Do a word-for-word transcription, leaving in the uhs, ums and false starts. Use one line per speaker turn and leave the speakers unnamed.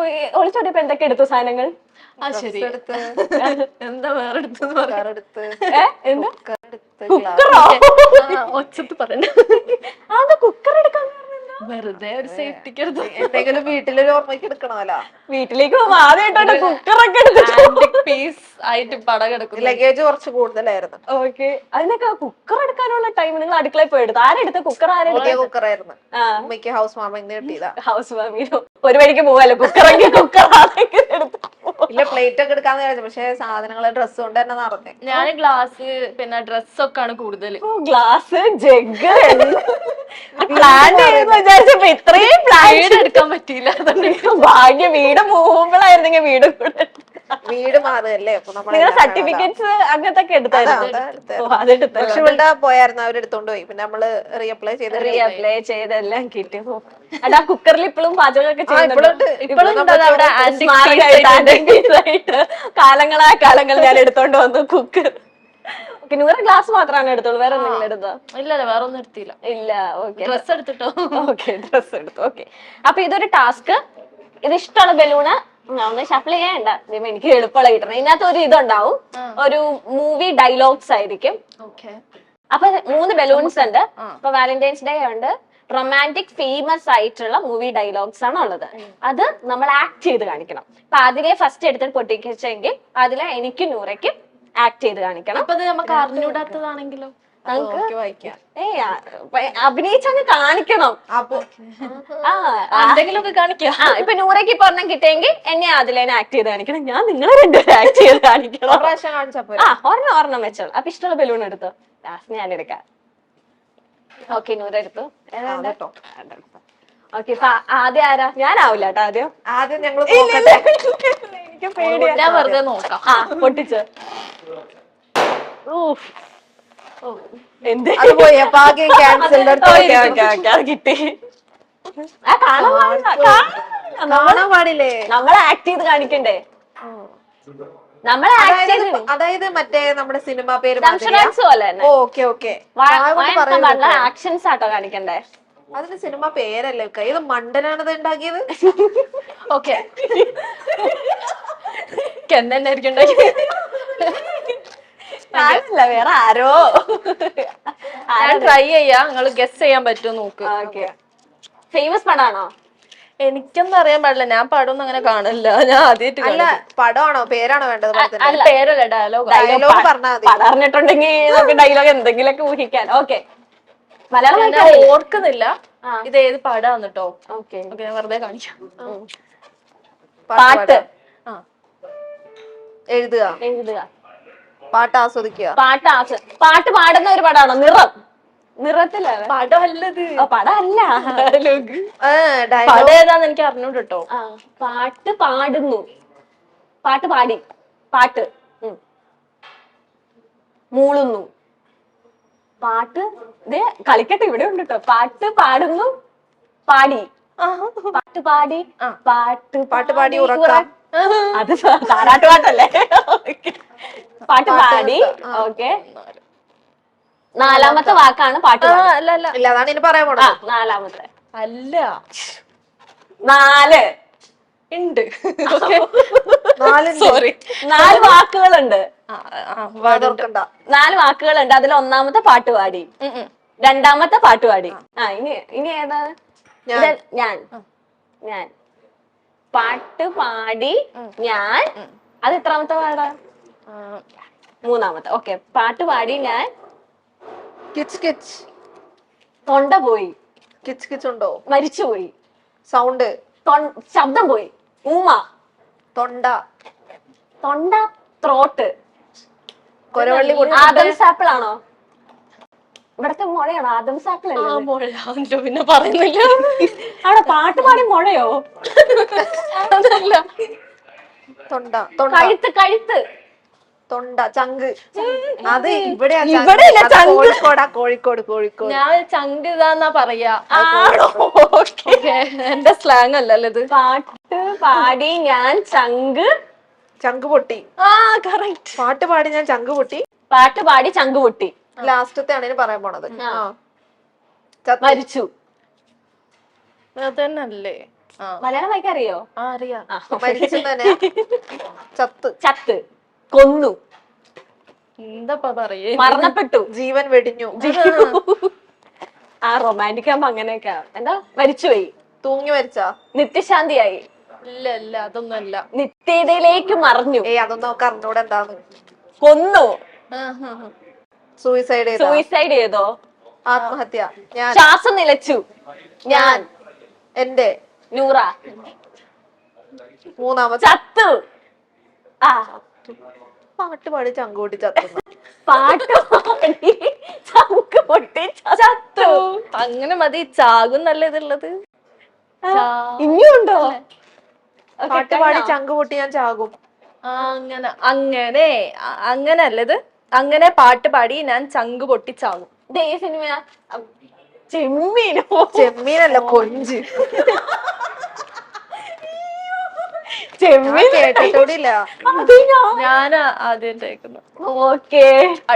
ഒളിച്ചോടിയപ്പോ എന്തൊക്കെ എടുത്തു സാധനങ്ങൾ?
ആ ശരി എന്താ വേറെ എടുത്തു ഒച്ചത്ത് പറയണ്ട.
അതെന്താ കുക്കർ എടുക്കാൻ
വെറുതെ ഒരു സേഫ്റ്റിക്ക് എടുത്തു.
എന്തെങ്കിലും വീട്ടിലൊരു ഓർമ്മയ്ക്ക് എടുക്കണമല്ലോ.
വീട്ടിലേക്ക് പോകുമ്പോ ആദ്യമായിട്ടാണ് കുക്കറൊക്കെ എടുത്തിട്ട്
പീസ് ആയിട്ട് പട കിടക്കും.
ലഗേജ് കുറച്ച് കൂടുതലായിരുന്നു.
ഓക്കെ. അതിനൊക്കെ കുക്കർ എടുക്കാനുള്ള ടൈം നിങ്ങൾ അടുക്കളയിൽ പോയി എടുത്തു? ആരെടുത്ത കുക്കർ? ആരെടുത്ത
കുക്കറായിരുന്നു. അമ്മയ്ക്ക് ഹൗസ് വാമിംഗ് കിട്ടിയതാ.
ഹൗസ് വാമിംഗ് ഒരു വഴിക്ക് പോവാല്ലോ, കുക്കറെങ്കിൽ കുക്കർ
ഇല്ല പ്ലേറ്റ് ഒക്കെ എടുക്കാന്ന് വിചാരിച്ചു. പക്ഷെ സാധനങ്ങള് ഡ്രസ് കൊണ്ട് തന്നെ നടന്നേ.
ഞാൻ ഗ്ലാസ് പിന്നെ ഡ്രസ്സൊക്കെ ആണ് കൂടുതൽ.
ഗ്ലാസ് ജഗ് പ്ലാൻ ചെയ്യുന്ന വിചാരിച്ചപ്പോ ഇത്രയും പ്ലാൻ
എടുക്കാൻ പറ്റിയില്ല.
ഭാഗ്യം വീട് പോകുമ്പോഴായിരുന്നെങ്കിൽ വീട് കൂടെ
വീട് മാറുകയല്ലേ.
നിങ്ങളുടെ സർട്ടിഫിക്കറ്റ്സ് അങ്ങനത്തെ ഒക്കെ എടുത്തായിരുന്നു?
പക്ഷെ ഇവിടെ പോയായിരുന്നു, അവരെടുത്തോണ്ട് പോയി. പിന്നെ നമ്മള് റീഅപ്ലൈ ചെയ്ത്
റീഅപ്ലൈ ചെയ്തെല്ലാം കിട്ടി. അതാ കുക്കറിൽ ഇപ്പോഴും പാചകമൊക്കെ കാലങ്ങളായ കാലങ്ങൾ ഞാൻ എടുത്തോണ്ട് വന്നു കുക്കർ. നൂറ് ഗ്ലാസ് മാത്രമാണ് എടുത്തോളൂ, വേറെ എന്തെങ്കിലും എടുത്തോ?
ഇല്ല വേറെ ഒന്നും എടുത്തില്ല.
ഇല്ല. ഓക്കെ,
ഡ്രസ് എടുത്തിട്ടോ?
ഓക്കെ, ഡ്രസ് എടുത്തു. ഓക്കെ, അപ്പൊ ഇതൊരു ടാസ്ക്. ഇത് ഇഷ്ടമുള്ള ബലൂണ് ഒന്ന് ഷഫിൾ ചെയ്യണ്ട, എനിക്ക് എളുപ്പമുള്ള കിട്ടണം. ഇതിനകത്ത് ഒരു ഇതുണ്ടാവും, ഒരു മൂവി ഡയലോഗ്സ് ആയിരിക്കും. അപ്പൊ മൂന്ന് ബലൂൺസ് ഉണ്ട്. ഇപ്പൊ വാലന്റൈൻസ് ഡേ ഉണ്ട്, റൊമാൻറ്റിക് ഫേമസ് ആയിട്ടുള്ള മൂവി ഡയലോഗ്സ് ആണ് ഉള്ളത്. അത് നമ്മൾ ആക്ട് ചെയ്ത് കാണിക്കണം. അപ്പൊ അതിലെ ഫസ്റ്റ് എടുത്തിട്ട് പൊട്ടിക്കെങ്കിൽ അതിലെ എനിക്ക് നൂറയ്ക്കും ആക്ട് ചെയ്ത് കാണിക്കണം.
അപ്പൊ നമുക്ക് അറിഞ്ഞൂടാത്തതാണെങ്കിലോ
അഭിനയിച്ചങ്ങ് കാണിക്കണം.
അപ്പൊ
എന്തെങ്കിലുമൊക്കെ കാണിക്കാം.
ആ ഇപ്പൊ നൂറയ്ക്ക് ഇപ്പൊ ഒരെണ്ണം കിട്ടിയെങ്കിൽ എന്നെ അതിലേനെ ആക്ട് ചെയ്ത് കാണിക്കണം, ഞാൻ നിങ്ങളെ രണ്ടുപേരും ആക്ട് ചെയ്ത് കാണിക്കണം. ആ ഒരെണ്ണം ഒരെണ്ണം വെച്ചോളൂ. അപ്പൊ ഇഷ്ടമുള്ള ബലൂൺ എടുത്തോ, ലാസ്റ്റ് ഞാൻ എടുക്കാം. ഓക്കെ, നൂറ് എടുത്തു. ഓക്കെ, ആദ്യം ആരാ? ഞാനാവില്ല കേട്ടോ. ആദ്യം
ആദ്യം ഞങ്ങൾ
എനിക്ക് പേടിയാ.
ഞാൻ വെറുതെ നോക്കാം.
ആ പൊട്ടിച്ച്. എന്ത് കിട്ടി?
കാണാൻ പാടില്ലേ?
നമ്മളെ ആക്ട് ചെയ്ത് കാണിക്കണ്ടേ? നമ്മളെ
അതായത് മറ്റേ നമ്മുടെ സിനിമ പേര്
പോലെ
ഓക്കെ ഓക്കെ
ആക്ഷൻസ് ആട്ടോ കാണിക്കണ്ടേ?
അതിന് സിനിമ പേരല്ലേ? ഇത് മണ്ടനാണത് ഉണ്ടാക്കിയത്.
ഓക്കെ, എന്തായിരിക്കും
അല്ല വേറെ ആരോ.
ട്രൈ ചെയ്യാ, നിങ്ങൾ ഗസ് ചെയ്യാൻ പറ്റുമോ നോക്ക്.
ഫേമസ് പടാണോ?
എനിക്കൊന്നും അറിയാൻ പാടില്ല, ഞാൻ പടമൊന്നും അങ്ങനെ കാണില്ല. ഞാൻ ആദ്യമായിട്ട്.
അല്ല പടമാണോ പേരാണോ വേണ്ടത്?
പേരല്ല, ഡയലോഗ്.
ഡയലോഗ് പറഞ്ഞാൽ മതി.
പടം അറിഞ്ഞിട്ടുണ്ടെങ്കിൽ നമുക്ക് ഡയലോഗ് എന്തെങ്കിലുമൊക്കെ ഊഹിക്കാൻ. ഓക്കെ, മലയാളം
ഓർക്കുന്നില്ല ഇത് ഏത് പടാന്ന് കേട്ടോ. ഓക്കെ, ഞാൻ വെറുതെ കാണിക്കാം.
പാട്ട്
എഴുതുക,
എഴുതുക,
പാട്ട് ആസ്വദിക്കുക.
പാട്ട് ആസ്വ പാട്ട് പാടുന്ന ഒരു പടാണോ? നിറം. നിറത്തില
പടം അല്ലത്.
പടം അല്ല,
പടം ഏതാന്ന് എനിക്ക് അറിഞ്ഞൂട് കേട്ടോ.
ആ പാട്ട് പാടുന്നു, പാട്ട് പാടി, പാട്ട് മൂളുന്നു, പാട്ട് ഇതേ കളിക്കട്ടെ ഇവിടെ ഉണ്ട് കേട്ടോ. പാട്ട് പാടുന്നു, പാടി, പാട്ട് പാടി, പാട്ട്
പാട്ട് പാടി ഉറക്കാം.
അത് താരാട്ട് പാട്ടല്ലേ? പാട്ട് പാടി. ഓക്കെ, നാലാമത്തെ വാക്കാണ് പാട്ട്.
അല്ല അല്ല ഇല്ല, അതാണ് ഇനി പറയാൻ പോണത്.
നാലാമത്തെ
അല്ല,
നാല്
ഉണ്ട്.
സോറി, നാല് വാക്കുകളുണ്ട്. നാല് വാക്കുകളുണ്ട്. അതിൽ ഒന്നാമത്തെ പാട്ടുപാടി, രണ്ടാമത്തെ പാട്ടുപാടി. ആ ഇനി ഇനി ഏതാ? ഞാൻ ഞാൻ പാട്ട് പാടി ഞാൻ. അത് എത്രാമത്തെ പാടാ? മൂന്നാമത്തെ. ഓക്കെ, പാട്ട് പാടി ഞാൻ.
കിച്ച് കിച്ച്,
തൊണ്ട പോയി.
കിച്ച് കിച്ച് ഉണ്ടോ?
മരിച്ചുപോയി.
സൗണ്ട്,
ശബ്ദം പോയി. ഊമ,
തൊണ്ട,
തൊണ്ട, ത്രോട്ട്.
കൊരവള്ളി.
ആദംസ് ആപ്പിൾ ആണോ? ഇവിടത്തെ മുഴയാണോ? ആദംസ് ആപ്പിൾ അല്ലേ?
പിന്നെ പറയുന്നില്ല.
അവിടെ പാട്ട് പാടി മുഴയോ?
അതല്ല,
തൊണ്ട,
കഴുത്ത്, കഴുത്ത്,
തൊണ്ട, ചങ്ക്. അത് ഇവിടെ
കോഴിക്കോടാ.
കോഴിക്കോട് കോഴിക്കോട്
ഞാൻ ചങ്ക് ഇതാന്നാ പറയാ. എന്റെ സ്ലാങ് അല്ലല്ലോ ഇത്.
പാട്ട് പാടി ഞാൻ ചങ്ക്
ചങ്ക് പൊട്ടി.
ആ കറക്റ്റ്.
പാട്ട് പാടി ഞാൻ ചങ്ക് പൊട്ടി.
പാട്ട് പാടി ചങ്ക് പൊട്ടി.
ലാസ്റ്റത്തെ ആണ് പറയാൻ പോണത്.
മരിച്ചു.
അതന്നല്ലേ?
മലയാളം വായിക്കാൻ അറിയോ?
ആ അറിയാം.
മരിച്ചു തന്നെ ചത്ത്
ചത്ത്, കൊന്നു,
എന്താ പറയേ,
മരണപ്പെട്ടു,
ജീവൻ വെടിഞ്ഞു,
ആ റൊമാൻറ്റിക് ആകുമ്പോ അങ്ങനെയൊക്കെ എന്താ മരിച്ചുപോയി,
തൂങ്ങി മരിച്ചാ,
നിത്യശാന്തിയായി,
ഇല്ല ഇല്ല അതൊന്നും അല്ല.
നിത്യതയിലേക്ക് മറഞ്ഞു,
ഏയ് അതൊന്നും നമുക്ക് അറിഞ്ഞൂടെ എന്താന്ന്.
കൊന്നു,
സൂയിസൈഡ് ചെയ്ത,
സൂയിസൈഡ് ചെയ്തോ,
ആത്മഹത്യ, ഞാൻ,
ശ്വാസം നിലച്ചു, ഞാൻ,
എന്റെ,
നൂറ,
മൂന്നാമത്തെ,
ചത്തു, ആ
പാട്ട് പാടി ചങ്കൂട്ടി ചത്തു.
പാട്ട് പാടി ചങ്ക് പൊട്ടി ചത്തു.
അങ്ങനെ മതി, ചാകും നല്ല ഇതുള്ളത്.
ഇനിയും ഉണ്ടോ?
പാട്ട് പാടി ചങ്ക് പൊട്ടി ഞാൻ ചാകും.
അങ്ങനെ അങ്ങനെ അ- അങ്ങനെ അല്ലത്, അങ്ങനെ പാട്ട് പാടി ഞാൻ ചങ്ക് പൊട്ടിച്ചാകും.
ദേ ഈ സിനിമ ചെമ്മീനോ?
ചെമ്മീനല്ല, കൊഞ്ച്.
ചെമ്മീൻ
കേട്ടിട്ടൂടില്ല.
അത് ഞാൻ
ഞാൻ ആദ്യം കേൾക്കുന്നു.
ഓക്കേ.